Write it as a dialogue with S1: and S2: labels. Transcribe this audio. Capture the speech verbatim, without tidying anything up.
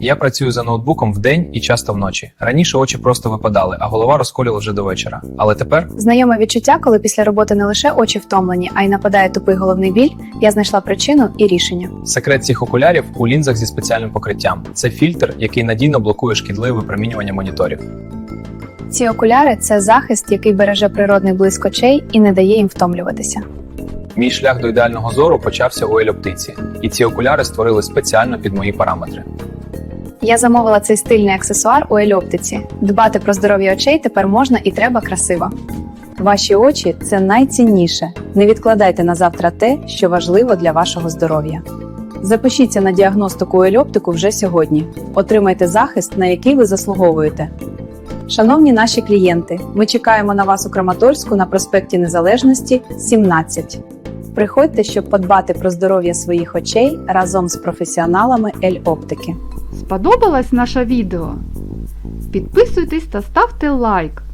S1: Я працюю за ноутбуком вдень і часто вночі. Раніше очі просто випадали, а голова розколювала вже до вечора. Але тепер
S2: Знайоме відчуття, коли після роботи не лише очі втомлені, а й нападає тупий головний біль, я знайшла причину і рішення.
S1: секрет цих окулярів у лінзах зі спеціальним покриттям. Це фільтр, який надійно блокує шкідливе випромінювання моніторів.
S2: Ці окуляри – це захист, який береже природний блиск очей і не дає їм втомлюватися.
S1: Мій шлях до ідеального зору почався у Ель-Оптиці, і ці окуляри створили спеціально під мої параметри.
S2: Я замовила цей стильний аксесуар у Ель-Оптиці. Дбати про здоров'я очей тепер можна і треба красиво.
S3: Ваші очі – це найцінніше. Не відкладайте на завтра те, що важливо для вашого здоров'я. Запишіться на діагностику у Ель-Оптику вже сьогодні. Отримайте захист, на який ви заслуговуєте. Шановні наші клієнти, ми чекаємо на вас у Краматорську на проспекті Незалежності, сімнадцять. Приходьте, щоб подбати про здоров'я своїх очей разом з професіоналами Ель-Оптики.
S4: Сподобалось наше відео? Підписуйтесь та ставте лайк.